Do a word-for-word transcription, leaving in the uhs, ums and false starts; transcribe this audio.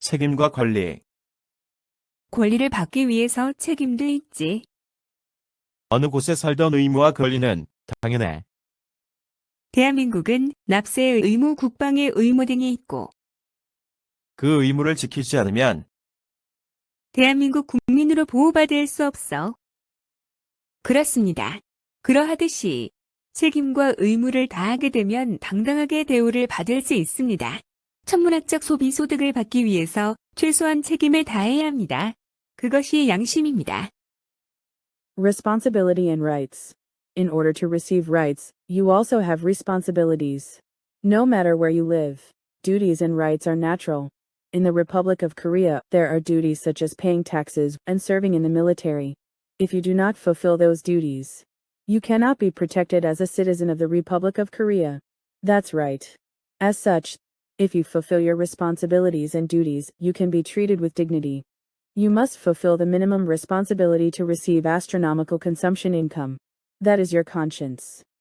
책임과 권리. 권리를 받기 위해서 책임도 있지. 어느 곳에 살던 의무와 권리는 당연해. 대한민국은 납세의 의무, 국방의 의무 등이 있고, 그 의무를 지키지 않으면 대한민국 국민으로 보호받을 수 없어. 그렇습니다. 그러하듯이 책임과 의무를 다하게 되면 당당하게 대우를 받을 수 있습니다. 천문학적 소비 소득을 받기 위해서 최소한 책임을 다해야 합니다. 그것이 양심입니다. Responsibility and rights. In order to receive rights, you also have responsibilities. No matter where you live, duties and rights are natural. In the Republic of Korea, there are duties such as paying taxes and serving in the military. If you do not fulfill those duties, you cannot be protected as a citizen of the Republic of Korea. That's right. As such, if you fulfill your responsibilities and duties, you can be treated with dignity. You must fulfill the minimum responsibility to receive astronomical consumption income. That is your conscience.